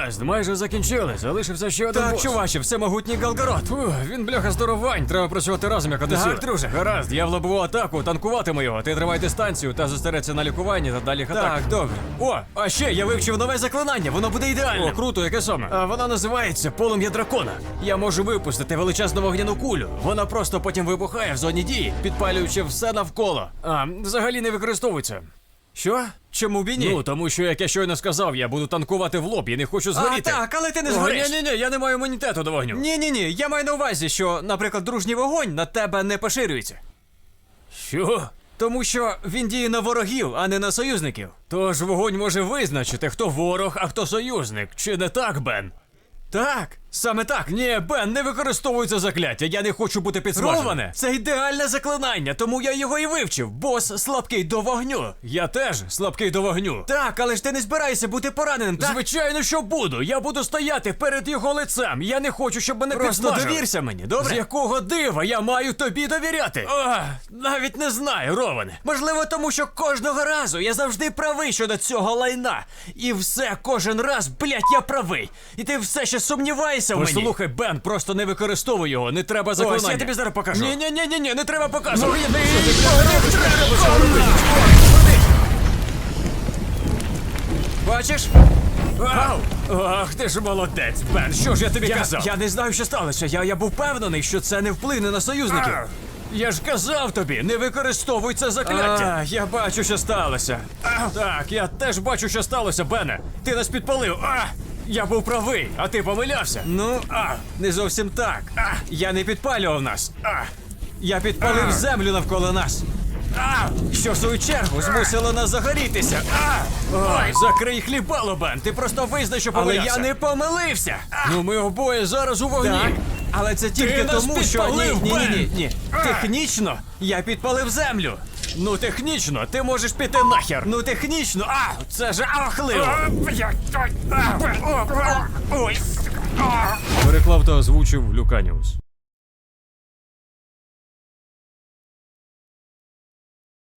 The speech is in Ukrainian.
Гаразд, майже закінчили. Залишився ще один Так, бос. чуваче, всемогутній Галгород. Фух, він бляха здоровань, треба працювати разом як одесір. Так, друже. Гаразд, я в лобову атаку, танкуватиму його. Ти тримай дистанцію та зосередься на лікуванні та далі атак. Так, добре. О, а ще я вивчив нове заклинання, воно буде ідеальним. О, круто, яке саме? А вона називається полум'я дракона. Я можу випустити величезну вогняну кулю. Вона просто потім вибухає в зоні дії, підпалюючи все навколо. А, взагалі не використовується. Що? Чому б і ні? Ну, тому що, як я щойно сказав, я буду танкувати в лоб і не хочу згоріти. так, але ти не згориш. Ні-ні-ні, я не маю імунітету до вогню. Ні, я маю на увазі, що, наприклад, дружній вогонь на тебе не поширюється. Що? Тому що він діє на ворогів, а не на союзників. Тож вогонь може визначити, хто ворог, а хто союзник. Чи не так, Бен? Так, саме так. Ні, Бен, не використовуй це закляття, я не хочу бути підсмаженим. Роване, це ідеальне заклинання, тому я його і вивчив. Бос слабкий до вогню. Я теж слабкий до вогню. Так, але ж ти не збираєшся бути пораненим, так? Звичайно, що буду. Я буду стояти перед його лицем. Я не хочу, щоб мене Просто підсмажили. довірся мені, добре? З якого дива я маю тобі довіряти? Навіть не знаю, Роване. Можливо, тому що кожного разу я завжди правий щодо цього лайна. І все, кожен раз, блять, я правий. І ти все ще сумніваєшся в мені. Послухай, Бен, просто не використовуй його, не треба заклинання. Ось, я тобі зараз покажу. Ні, не треба показувати. Бачиш? Ах, ти ж молодець, Бен, що ж я тобі казав? Я не знаю, що сталося. Я був впевнений, що це не вплине на союзників. Я ж казав тобі, не використовуй це закляття. Я бачу, що сталося. Так, я теж бачу, що сталося, Бене. Ти нас підпалив. Я був правий, а ти помилявся. Ну, не зовсім так. Я не підпалював нас. Я підпалив землю навколо нас. Що в свою чергу змусило нас загорітися. Ой, закрий хлібало, Бен, ти просто визнай, що Але помилявся. я не помилився. Ну ми обоє зараз у вогні. Так, але це тільки нас тому, що підпалив, ні. Технічно я підпалив землю. Ну технічно, ти можеш піти нахер. Ну технічно, це ж ахливо. Переклав та озвучив Люканіус.